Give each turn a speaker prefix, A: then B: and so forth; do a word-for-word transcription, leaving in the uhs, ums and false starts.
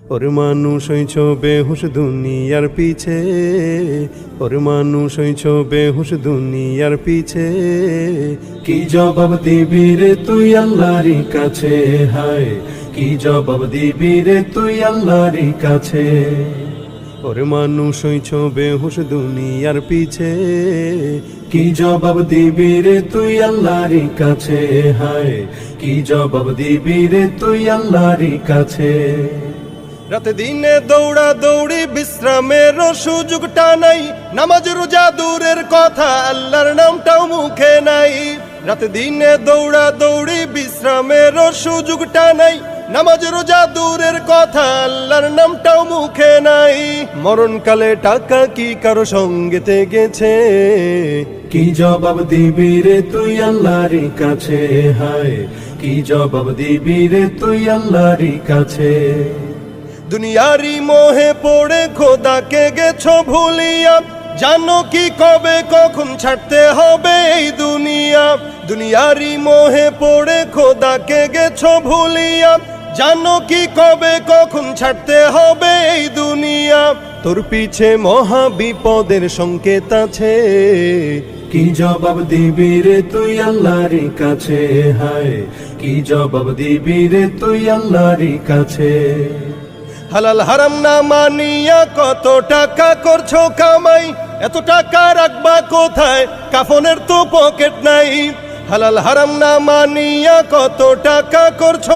A: ওরে মানুষ হইছ বেহুশ দুনিয়ার পিছে, ওরে মানুষ হইছ বেহুশ দুনিয়ার পিছে। কি জবাব দিবি রে তুই আল্লাহর কাছে, হায় কি জবাব দিবি রে তুই আল্লাহর কাছে। ওরে মানুষ হইছ বেহুশ দুনিয়ার পিছে, কি জবাব দিবি রে তুই আল্লাহর কাছে, হায় কি জবাব দিবি রে তুই আল্লাহর কাছে। রাতে দিনে দৌড়া দৌড়ি বিশ্রামের সুযোগটা নাই, নামাজ রোজা দূরের কথা আল্লাহর নামটাও মুখে নাই। রাতে দিনে দৌড়া দৌড়ি বিশ্রামের সুযোগটা নাই, নামাজ রোজা দূরের কথা আল্লাহর নামটাও মুখে নাই। মরণকালে টাকা কি কারো সঙ্গেতে গেছে, কি জবাব দিবি রে তুই আল্লাহর কাছে, হায় কি জবাব দিবি রে তুই আল্লাহর কাছে। দুনিয়ারি মোহে পড়ে খোদাকে গেছো ভুলিয়া, জানো কি কবে কখন ছাড়তে হবে এই দুনিয়া। দুনিয়ারি মোহে পড়ে খোদাকে গেছো ভুলিয়া, জানো কি কবে কখন ছাড়তে হবে এই দুনিয়া। তোর পিছে মহা বিপদের সংকেত আছে, কি জবাব দিবি রে তুই আল্লাহর কাছে, হায় কি জবাব দিবি রে তুই আল্লাহর কাছে। হালাল হারাম না মানিয়া কত টাকা করছো কামাই, এত টাকা রাখবা কোথায়, কাফনের তো পকেট নাই। হালাল হারাম না মানিয়া কত টাকা করছো